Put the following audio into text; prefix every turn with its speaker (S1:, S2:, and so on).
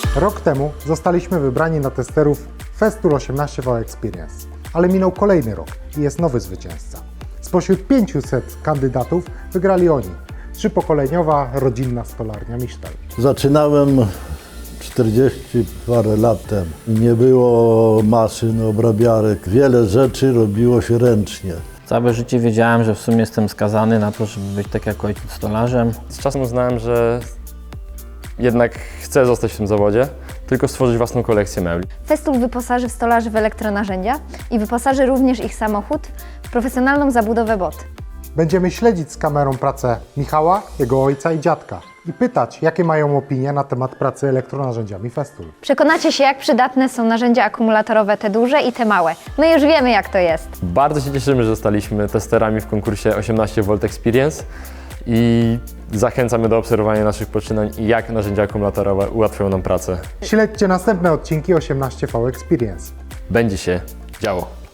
S1: Rok temu zostaliśmy wybrani na testerów Festool 18V Experience, ale minął kolejny rok i jest nowy zwycięzca. Spośród 500 kandydatów wygrali oni. 3-pokoleniowa, rodzinna stolarnia Misztal.
S2: Zaczynałem 40 parę lat temu. Nie było maszyn, obrabiarek. Wiele rzeczy robiło się ręcznie.
S3: Całe życie wiedziałem, że w sumie jestem skazany na to, żeby być tak jak ojciec stolarzem.
S4: Z czasem uznałem, że jednak chcę zostać w tym zawodzie, tylko stworzyć własną kolekcję mebli.
S5: Festool wyposaży stolarzy w elektronarzędzia i wyposaży również ich samochód w profesjonalną zabudowę bot.
S1: Będziemy śledzić z kamerą pracę Michała, jego ojca i dziadka i pytać, jakie mają opinie na temat pracy elektronarzędziami Festool.
S5: Przekonacie się, jak przydatne są narzędzia akumulatorowe, te duże i te małe. My już wiemy, jak to jest.
S4: Bardzo się cieszymy, że zostaliśmy testerami w konkursie 18V Experience i zachęcamy do obserwowania naszych poczynań i jak narzędzia akumulatorowe ułatwią nam pracę.
S1: Śledźcie następne odcinki 18V Experience.
S4: Będzie się działo.